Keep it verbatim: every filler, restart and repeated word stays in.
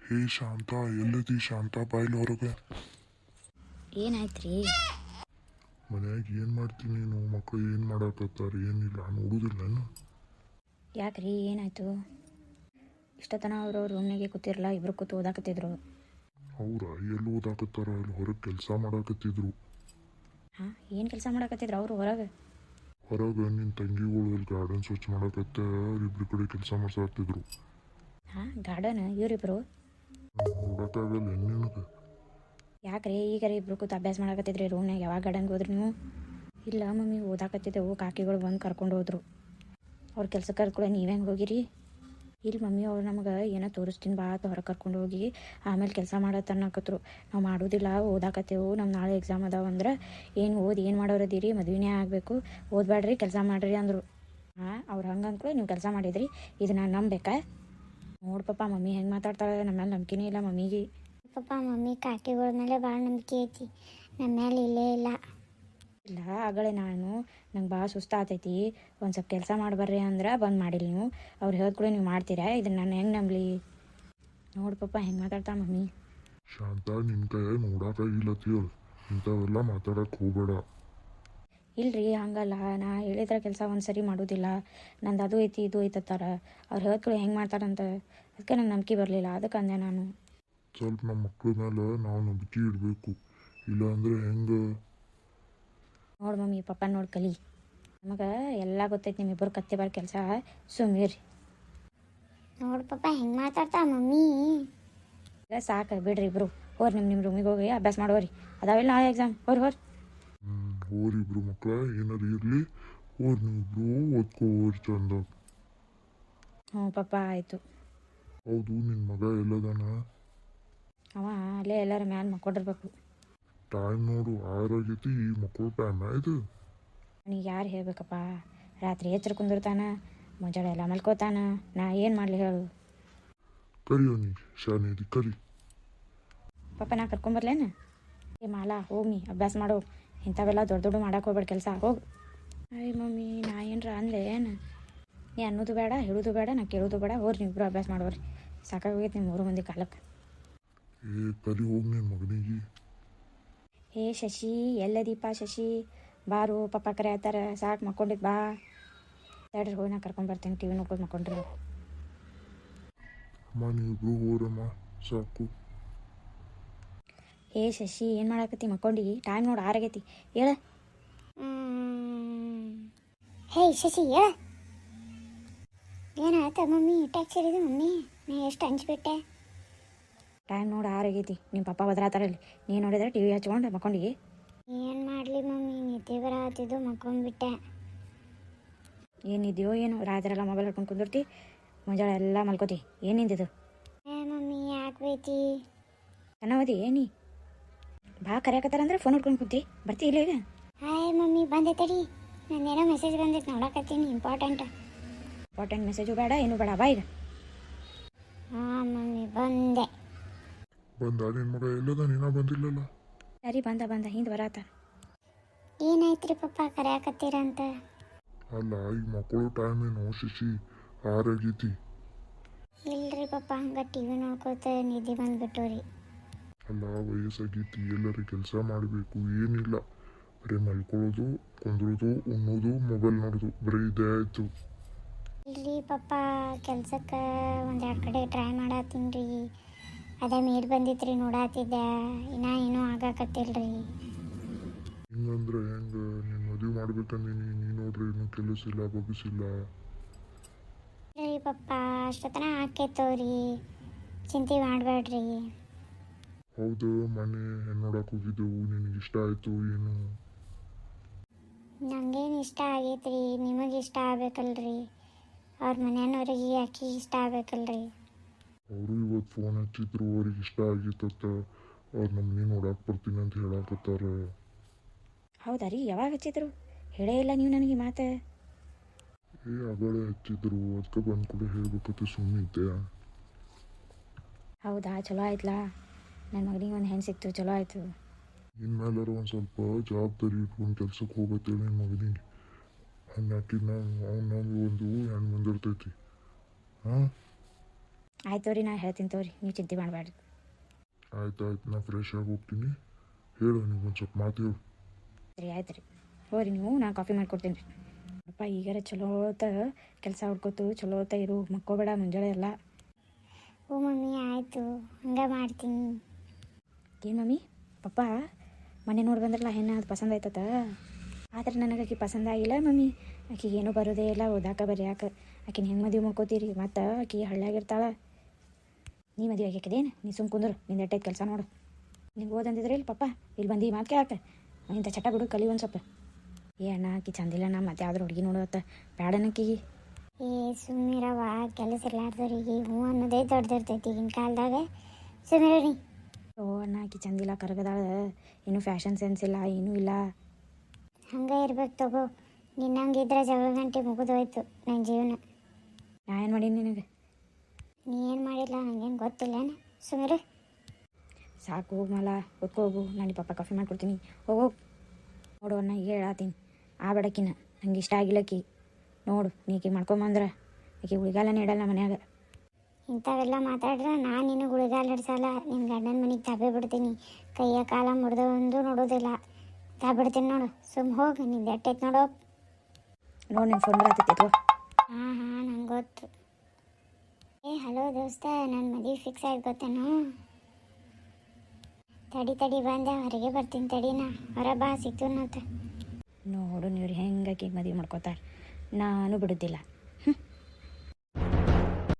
ಹೇ ಶಾಂತ, ಎಲ್ಲದಿ ಶಾಂತ? ಬಾಯ್ಲಿ ಹೊರಗೆ. ಏನಾಯ್ತ್ರಿ? ಮನ್ಯಾಗ ಏನು ಮಾಡ್ತೀನಿ ನೀನು? ಮಕ್ಕಳು ಏನು ಮಾಡಾಕತ್ತಾರ? ಏನಿಲ್ಲ ನೋಡುದಿಲ್ಲ. ಯಾಕ್ರಿ ಏನಾಯ್ತು? ಇಷ್ಟತನ ಅವರು ರೂಮ್ನಾಗೆ ಕೂತಿರಲ್ಲ, ಇಬ್ರು ಕೂತು ಓದಾಕತ್ತಿದ್ರು. ಅವ್ರ ಎಲ್ಲಿ ಓದಾಕತ್ತಾರ? ಅಲ್ಲಿ ಹೊರಗೆ ಕೆಲಸ ಮಾಡಾಕತ್ತಿದ್ರು. ಹಾಂ, ಏನು ಕೆಲಸ ಮಾಡಾಕತ್ತಿದ್ರು ಅವರು ಹೊರಗೆ? ಹೊರಗೆ ನಿನ್ನ ತಂಗಿಗಳು ಅಲ್ಲಿ ಗಾರ್ಡನ್ ಸ್ವಚ್ಛ ಮಾಡಾಕತ್ತ ಇಬ್ರು ಕಡೆ ಕೆಲಸ ಮಾಡ್ಸಾಕತ್ತಿದ್ರು. ಹಾಂ, ಗಾರ್ಡನ್ ಇವರಿಬ್ರು? ನೋಡಕ್ಕಾಗಲ್ಲ ನಿನಗೆ? ಯಾಕ್ರಿ ಈಗಾರ ಇಬ್ರು ಕೂತು ಅಭ್ಯಾಸ ಮಾಡಾಕತ್ತಿದ್ರಿ ರೂಮ್ನಾಗ? ಯಾವಾಗ ಗಾರ್ಡನ್ಗೆ ಹೋದ್ರಿ ನೀವು? ಇಲ್ಲ ಮಮ್ಮಿ, ಓದಾಕತ್ತಿದ್ದೆವು, ಕಾಕಿಗಳು ಬಂದು ಕರ್ಕೊಂಡು ಹೋದ್ರು. ಅವ್ರ ಕೆಲ್ಸಕ್ಕೆ ಕರ್ಕೊಳ್ಳೋ ನೀವು ಹೆಂಗೆ ಹೋಗಿರಿ? ಇಲ್ಲಿ ಮಮ್ಮಿ ಅವ್ರು ನಮಗೆ ಏನೋ ತೋರಿಸ್ತೀನಿ ಬಾ ಅಂತ ಹೊರಗೆ ಕರ್ಕೊಂಡು ಹೋಗಿ ಆಮೇಲೆ ಕೆಲಸ ಮಾಡತ್ತೆ ಅನ್ನಕತ್ರು. ನಾವು ಮಾಡೋದಿಲ್ಲ, ಓದಾಕತ್ತೇವು, ನಮ್ಮ ನಾಳೆ ಎಕ್ಸಾಮ್ ಅದಾವ ಅಂದ್ರೆ ಏನು ಓದಿ ಏನು ಮಾಡೋರದಿರಿ, ಮದುವೆನೇ ಆಗಬೇಕು, ಓದಬೇಡ್ರಿ, ಕೆಲಸ ಮಾಡಿರಿ ಅಂದರು. ಹಾಂ, ಅವ್ರು ಹಂಗೆ ಅಂದ್ಕೊಳ್ಳಿ ನೀವು ಕೆಲಸ ಮಾಡಿದ್ರಿ, ಇದು ನಾನು ನಂಬೇಕಾ? ನೋಡು ಪಾಪ ಮಮ್ಮಿ ಹೆಂಗೆ ಮಾತಾಡ್ತಾಳೆ, ನಮ್ಮ ಮೇಲೆ ನಂಬಿಕೆನೇ ಇಲ್ಲ ಮಮ್ಮಿಗೆ. ಪಾಪ ಮಮ್ಮಿ ಕಾಕಿಗಳ ಮೇಲೆ ಭಾಳ ನಂಬಿಕೆ ಐತಿ, ನಮ್ಮ ಮೇಲೆ ಇಲ್ಲೇ ಇಲ್ಲ. ಇಲ್ಲ ಆಗಳೇ ನಾನು ನಂಗೆ ಭಾಳ ಸುಸ್ತಾತೈತಿ, ಒಂದು ಸ್ವಲ್ಪ ಕೆಲಸ ಮಾಡಿಬರ್ರಿ ಅಂದ್ರೆ ಬಂದು ಮಾಡಿಲ್ಲ ನೀವು. ಅವ್ರು ಹೇಳಿದ್ಕೂಡ ನೀವು ಮಾಡ್ತೀರಾ? ಇದನ್ನು ನಾನು ಹೆಂಗೆ ನಂಬಲಿ? ನೋಡು ಪಾಪ ಹೆಂಗೆ ಮಾತಾಡ್ತಾ ಮಮ್ಮಿ. ಶಾಂತ, ನಿನ್ನ ಕೈ ನೋಡಕ್ಕಾಗಿಲ್ಲ ತೀರ್, ಇಂಥವೆಲ್ಲ ಮಾತಾಡಕ್ಕೆ ಹೋಗಬೇಡ. ಇಲ್ರಿ ಹಂಗಲ್ಲ, ನಾ ಹೇಳಿದ್ರೆ ಕೆಲಸ ಒಂದು ಸರಿ ಮಾಡೋದಿಲ್ಲ, ನಂದು ಅದು ಐತಿ ಇದು ಐತತ್ತಾರ. ಅವ್ರು ಹೇಳಿದ್ಕೂಡ ಹೆಂಗೆ ಮಾಡ್ತಾರಂತ ಅದಕ್ಕೆ ನಂಗೆ ನಂಬಿಕೆ ಬರಲಿಲ್ಲ, ಅದಕ್ಕೆ ಅಂದೆ ನಾನು. ಸ್ವಲ್ಪ ನಮ್ಮ ಮಕ್ಳ ಮೇಲೆ ನಾವು ನಂಬಿಕೆ ಇಡಬೇಕು, ಇಲ್ಲಾಂದ್ರೆ ಹೆಂಗೆ? ನೋಡು ಮಮ್ಮಿ, ಪಪ್ಪ ನೋಡಿ ಕಲಿ, ನಮಗೆ ಎಲ್ಲ ಗೊತ್ತೈತಿ ನಿಮ್ಮಿಬ್ಬರು ಕತ್ತೆ ಬರೋ ಕೆಲಸ, ಸುಮ್ಮೀರಿ. ನೋಡು ಪಾಪ ಹೆಂಗೆ ಮಾತಾಡ್ತಾ ಮಮ್ಮಿ. ಈಗ ಸಾಕು ಬಿಡ್ರಿ ಇಬ್ರು, ಹೋರಿ ನಿಮ್ಮ ನಿಮ್ಮ ರೂಮಿಗೆ ಹೋಗಿ ಅಭ್ಯಾಸ ಮಾಡೋರಿ, ಅದಾವಿಲ್ಲ ನಾಳೆ ಎಕ್ಸಾಮ್, ಹೋರಿ ಹೋರಿ. ಹ್ಞೂ ಹೋರಿ ಇಬ್ರು ಮಕ್ಳ, ಏನಾರು ಇರಲಿ ಹೋರಿ, ನೀವಿಬ್ರು ಓದ್ಕೋರಿ ಚಂದ. ಹ್ಞೂ ಪಪ್ಪ ಆಯಿತು. ಹೌದು, ನಿನ್ನ ಮಗ ಎಲ್ಲದಾನ? ಅವ ಅಲ್ಲೇ ಎಲ್ಲರ ಮ್ಯಾಲೆ ಮಕ್ಕೊಂಡಿರ್ಬೇಕು. ಟೈಮ್ ನೋಡು, ಆರಾಗೈತಿ, ಈ ಮಕ್ಕಳು ಟೈಮ್ ಆಯ್ತು. ಅವನಿಗೆ ಯಾರು ಹೇಳ್ಬೇಕಪ್ಪ? ರಾತ್ರಿ ಎಚ್ಚರ ಕುಂದಿರ್ತಾನ, ಮುಂಜಾನೆ ಎಲ್ಲ ಮಲ್ಕೋತಾನ, ನಾ ಏನು ಮಾಡಲಿ ಹೇಳು? ಕರಿ ಅವನಿಗೆ, ಶಾನೇದಿ ಕರಿ. ಪಾಪ ನಾ ಕರ್ಕೊಂಬರ್ಲೇನ? ಏ ಮಾಲಾ, ಹೋಗಿ ಅಭ್ಯಾಸ ಮಾಡೋ, ಇಂಥವೆಲ್ಲ ದೊಡ್ಡ ದೊಡ್ಡ ಮಾಡಕ್ಕೆ ಹೋಗ್ಬೇಡ ಕೆಲಸ, ಹೋಗಿ. ಅಯ್ಯ ಮಮ್ಮಿ, ನಾ ಏನರ ಅಂದೆ ಏನು? ನೀ ಅನ್ನೋದು ಬೇಡ, ಹೇಳೋದು ಬೇಡ, ನಾ ಕೇಳೋದು ಬೇಡ, ಹೋರಿ ನೀವಿಬ್ರು ಅಭ್ಯಾಸ ಮಾಡೋರಿ, ಸಾಕಾಗೋಗೈತೆ ನಿಮ್ಮ ಮೂರು ಮಂದಿ ಕಾಲಕ್ಕೆ. ಏ ಕರಿ ಹೋಗಿ ನಿನ್ನ ಮಗನಿಗೆ. ಹೇ ಶಶಿ, ಎಲ್ಲದೀಪ ಶಶಿ, ಬಾರು ಪಪ್ಪ ಕರೆ ಆಯ್ತಾರ, ಸಾಕು ಮಕ್ಕೊಂಡಿದ್ದು ಬಾ. ತಡ್ರಿ ಹೋಗಿ ನಾ ಕರ್ಕೊಂಬರ್ತೀನಿ, ಟಿ ವಿ ನೋಡ್ಕೊಂಡು ಮಕ್ಕೊಂಡ್ರಿ. ಅಮ್ಮ ನೀವಿಬ್ರು ಹೋರಮ್ಮ, ಸಾಕು. ಹೇ ಶಶಿ, ಏನು ಮಾಡಾಕತ್ತಿ? ಮಕ್ಕೊಂಡಿ? ಟೈಮ್ ನೋಡಿ ಆರಾಗೈತಿ, ಹೇಳ. ಹೇ ಶಶಿ ಹೇಳ, ಏನಾಯ್ತ ಮಮ್ಮಿ? ಟ್ಯಾಕ್ಸ್ ಸೇರಿದೆ ಮಮ್ಮಿ, ನಾ ಎಷ್ಟು ಹಂಚ್ಬಿಟ್ಟೆ. ಟೈಮ್ ನೋಡಿ ಆರಾಗೈತಿ, ನಿಮ್ಮ ಪಪ್ಪ ಬದ್ರಾತಾರಲ್ಲಿ, ನೀನು ನೋಡಿದ್ರೆ ಟಿ ವಿ ಹಚ್ಕೊಂಡು ಮಕ್ಕೊಂಡಿ. ಏನು ಮಾಡಲಿ ಮಮ್ಮಿ, ನಿದ್ದೆ ಬರತ್ತಿದ್ದು ಮಕ್ಕೊಂಡ್ಬಿಟ್ಟೆ. ಏನಿದೆಯೋ ಏನು, ರಾತ್ರೆಲ್ಲ ಮೊಬೈಲ್ ಹಿಡ್ಕೊಂಡು ಕುಂದಿರ್ತಿ, ಮುಂಜಾನೆ ಎಲ್ಲ ಮಲ್ಕೋತಿ, ಏನಿಂದಿದು? ಏ ಮಮ್ಮಿ ಯಾಕೆ ಬೈತಿ? ಚೆನ್ನಾವದಿ ಏನಿ? ಬಾ ಕರೆಯಕತ್ತಾರಂದ್ರೆ ಫೋನ್ ಹಿಡ್ಕೊಂಡು ಕುಂತಿ, ಬರ್ತಿ ಇಲ್ಲ ಈಗ? ಹಾಯ್ ಮಮ್ಮಿ, ಬಂದೆ ತಡಿ, ನಂದೇನೋ ಮೆಸೇಜ್ ಬಂದೈತೆ ನೋಡಕತ್ತೀನಿ, ಇಂಪಾರ್ಟೆಂಟ್. ಇಂಪಾರ್ಟೆಂಟ್ ಮೆಸೇಜು ಬೇಡ, ಏನು ಬೇಡ, ಬಾ ಈಗ. ಹಾಂ ಮಮ್ಮಿ ಬಂದೆ. ಬಂದ ನಿನ್ನ ಮಗ ಎಲ್ಲದ? ನೀನ ಬಂದಿಲ್ಲಲ್ಲ? ಸರಿ ಬಂದ ಬಂದ ಹಿಂದೆ ಬರಾತ. ಏನಾಯ್ತ್ರಿ ಪಪ್ಪ ಕರೆಯಾಕತ್ತೀರಂತ? ಅಲ್ಲ, ಈ ಮಕ್ಕಳು ಟೈಮ್ ಏನು ಶಶಿ, ಆರಾಗೈತಿ. ಇಲ್ರಿ ಪಪ್ಪ, ಹಂಗೆ ಟಿ ವಿ ನೋಡ್ಕೋತ ನಿದ್ದೆ ಬಂದ್ಬಿಟ್ಟು ರೀ. ಅಲ್ಲ, ವಯಸ್ಸಾಗೈತಿ, ಎಲ್ಲರೂ ಕೆಲಸ ಮಾಡಬೇಕು, ಏನಿಲ್ಲ, ಬರೀ ಮಲ್ಕೊಳ್ಳೋದು, ಕುಂದ್ರೋದು, ಉಣ್ಣೋದು, ಮೊಬೈಲ್ ನೋಡೋದು, ಬರೀ ಇದೇ ಆಯಿತು. ಇಲ್ರಿ ಪಪ್ಪ, ಕೆಲ್ಸಕ್ಕೆ ಒಂದೆರಡು ಕಡೆ ಟ್ರೈ ಮಾಡತ್ತೀನಿ ರೀ, ಅದೇ ಮೇಡ್ ಬಂದಿತ್ತು ರೀ, ನೋಡಾತಿದ್ದೆ, ಇನ್ನೂ ಏನೂ ಆಗಾಕತ್ತಿಲ್ರಿ. ಹಿಂಗಂದ್ರೆ ಹೆಂಗೆ? ನೀನು ಮದುವೆ ಮಾಡ್ಬೇಕಂದೀನಿ, ನೀನು ನೋಡ್ರಿ ಇನ್ನೂ ಕೆಲಸ ಇಲ್ಲ, ಬಗ್ಗಿಸಿಲ್ಲ. ರೀ ಪಪ್ಪ, ಅಷ್ಟೊತ್ತನ ಆಕೇತವ್ರಿ, ಚಿಂತೆ ಮಾಡಬೇಡ್ರಿ. ಹೌದು, ಮನೆ ಹೆಣ್ಣು ನೋಡಕ್ಕೆ ಹೋಗಿದ್ದೆವು, ನಿನಗೆ ಇಷ್ಟ ಆಯಿತು ಏನು? ನಂಗೇನು ಇಷ್ಟ ಆಗೈತ್ರಿ, ನಿಮಗೆ ಇಷ್ಟ ಆಗ್ಬೇಕಲ್ರಿ, ಅವ್ರ ಮನೆಯವ್ರಿಗೆ ಯಾಕೆ ಇಷ್ಟ ಆಗ್ಬೇಕಲ್ರಿ. ಅವರು ಇವತ್ತು ಫೋನ್ ಹಚ್ಚಿದ್ರು, ಅವ್ರಿಗೆ ಇಷ್ಟ ಆಗಿತ್ತತ್ತ, ಅವ್ರು ನಮ್ಮನೆ ನೋಡಕ್ಕೆ ಬರ್ತೀನಿ ಅಂತ ಹೇಳಕತ್ತಾರ. ಹೌದಾ ರೀ? ಯಾವಾಗ ಹಚ್ಚಿದ್ರು? ಹೇಳೇ ಇಲ್ಲ ನೀವು ನನಗೆ ಮಾತು. ಏ ಅಗಳೇ ಹಚ್ಚಿದ್ರು, ಅದಕ್ಕೆ ಬಂದು ಕೂಡ ಹೇಳ್ಬೇಕತ್ತೆ ಸುಮ್ಮನಿದ್ದೆ. ಹೌದಾ, ಚಲೋ ಆಯ್ತಲ್ಲ, ನನ್ನ ಮಗನಿಗೆ ಒಂದು ಹೆಣ್ಣು ಸಿಕ್ತು, ಚಲೋ ಆಯಿತು. ಇನ್ಮೇಲಾರ ಒಂದು ಸ್ವಲ್ಪ ಜವಾಬ್ದಾರಿ ಇಟ್ಕೊಂಡು ಕೆಲ್ಸಕ್ಕೆ ಹೋಗತ್ತೇಳಿ ನಿಮ್ಮ ಮಗನಿಗೆ. ಹಂಗೆ ಹಾಕಿದ್ ನಾವು ಅವ್ನು ಒಂದು ಹೆಣ್ಣು ಬಂದಿರ್ತೈತಿ. ಹಾಂ ಆಯ್ತು ರೀ ನಾ ಹೇಳ್ತೀನಿ ತೋರಿ ನೀವು ಚಿಂತೆ ಮಾಡಬೇಡ್ರಿ. ಆಯ್ತು ಆಯ್ತು ನಾ ಫ್ರೆಶ್ ಆಗಿ ಹೋಗ್ತೀನಿ. ಹೇಳು ನೀವು ಒಂದು ಸ್ವಲ್ಪ ಮಾತು ಹೇಳು. ಸರಿ ಆಯ್ತು ರೀ ಹೋರಿ ನೀವು ನಾನು ಕಾಫಿ ಮಾಡಿಕೊಡ್ತೀನಿ ರೀ. ಅಪ್ಪ ಈಗಾರ ಚಲೋ ಹೊತ್ತ ಕೆಲಸ ಹುಡ್ಕೋತು ಚಲೋ ಹೊತ್ತ ಇರು ಮಕ್ಕೋಬೇಡ ಮುಂಜಾನೆ ಎಲ್ಲ. ಹ್ಞೂ ಮಮ್ಮಿ ಆಯಿತು ಹಂಗೆ ಮಾಡ್ತೀನಿ. ಏನು ಮಮ್ಮಿ ಪಪ್ಪ ಮೊನ್ನೆ ನೋಡಿ ಬಂದ್ರಲ್ಲ ಹೆಣ್ಣು ಅದು ಪಸಂದ ಆಯ್ತದ. ಆದ್ರೆ ನನಗೆ ಆಕಿ ಪಸಂದ ಆಗಿಲ್ಲ ಮಮ್ಮಿ. ಆಕಿಗೆ ಏನೂ ಬರೋದೇ ಇಲ್ಲ ಓದಾಕ ಬರ್ಯಾಕ. ಆಕಿನ ಹೆಂಗೆ ಮದುವೆ ಮಾಡ್ಕೋತೀರಿ ಮತ್ತು ಆಕಿ ಹಳ್ಳಿಯಾಗಿರ್ತಾಳೆ. ನೀ ಮದುವೆ ಆಗ್ಯಾಕದೇನು ನೀ ಸುಮ್ ಕುಂದ್ರು ನಿಂದು ಎಟ್ಟೈತೆ ಕೆಲಸ ನೋಡು. ನಿಂಗೆ ಓದಂದಿದ್ರೆ ಇಲ್ಲಿ ಪಪ್ಪ ಇಲ್ಲಿ ಬಂದು ಮಾತು ಕೇಳಾಕ ಇಂಥ ಚಟ ಬಿಡು ಕಲಿ ಒಂದು ಸ್ವಲ್ಪ. ಏ ಅಣ್ಣ ಆಕಿ ಚಂದಿಲ್ಲ ನಾ ಮತ್ತೆ ಯಾವ್ದು ಹುಡುಗಿ ನೋಡುವತ್ತ ಬ್ಯಾಡನಕ್ಕಿಗೆ. ಏ ಸುಮ್ಮಿರವ ಕೆಲಸ ಇರ್ಲಾರ್ದವ್ರಿಗೆ ಹ್ಞೂ ಅನ್ನೋದೇ ದೊಡ್ಡದಿರ್ತೈತಿ ಈಗಿನ ಕಾಲದಾಗ. ಸುಮ್ಮಿರಿ. ಓ ಅಣ್ಣ ಆಕಿ ಚಂದಿಲ್ಲ ಕರಗದಾಳ ಏನೂ ಫ್ಯಾಷನ್ ಸೆನ್ಸ್ ಇಲ್ಲ ಏನೂ ಇಲ್ಲ. ಹಂಗೆ ಇರ್ಬೇಕು ತಗೋ. ನಿನ್ನಂಗಿದ್ರೆ ಜಗಳ ಗಂಟೆ ಮುಗಿದೋಯ್ತು ನನ್ನ ಜೀವನ. ನಾ ಏನು ಮಾಡೀನಿ ನಿನಗೆ? ನೀ ಏನು ಮಾಡಿಲ್ಲ ನನಗೇನು ಗೊತ್ತಿಲ್ಲೇನು. ಸುಮ್ಮಿರು. ಸಾಕು ಹೋಗು ಮಲ ಹೋಗು ನಾನು ಪಪ್ಪ ಕಾಫಿ ಮಾಡ್ಕೊಡ್ತೀನಿ ಹೋಗು. ನೋಡು ಅಣ್ಣ ಈಗ ಹೇಳತ್ತೀನಿ ಆ ಬಡಕಿನ ನಂಗೆ ಇಷ್ಟ ಆಗಿಲ್ಲಕ್ಕಿ. ನೋಡು ನೀ ಆಕಿ ಮಾಡ್ಕೊಂಬಂದ್ರೆ ಆಕಿ ಉಳಿಗಾಲನೇ ಇಡಲ್ಲ ಮನ್ಯಾಗ. ಇಂಥವೆಲ್ಲ ಮಾತಾಡ್ರೆ ನಾನು ನಿನಗೆ ಉಳಿಗಾಲ ಹಿಡ್ಸಲ್ಲ. ನಿನ್ನ ಗಂಡನ ಮನೆಗೆ ತಬ್ಬೆ ಬಿಡ್ತೀನಿ. ಕೈಯ ಕಾಲ ಮುರಿದು ಒಂದು ನೋಡೋದಿಲ್ಲ. ತಬ್ಬಿಡ್ತೀನಿ ನೋಡು. ಸುಮ್ಮ ಹೋಗಿ ನಿಂದು ಎಟ್ಟೈತೆ ನೋಡು. ನೋಡಿ ನಿನ್ನ ಫೋನ್ ಬರತ್ತೈತಿ. ಹಾಂ ಹಾಂ ನಂಗೆ ಗೊತ್ತು. ಏ ಹಲೋ ದೋಸ್ತ ನನ್ನ ಮದುವೆ ಫಿಕ್ಸ್ ಆಯ್ತು ಗೊತ್ತೇನು. ತಡಿ ತಡಿ ಬಂದೆ ಹೊರಗೆ ಬರ್ತೀನಿ ತಡಿನಾ. ಹೊರ ಬಾ ಸಿಗ್ತು ಅಂತ. ನೋಡು ನೀವು ಹೆಂಗೆ ಆಕಿಗೆ ಮದುವೆ ಮಾಡ್ಕೋತಾರೆ ನಾನು ಬಿಡೋದಿಲ್ಲ.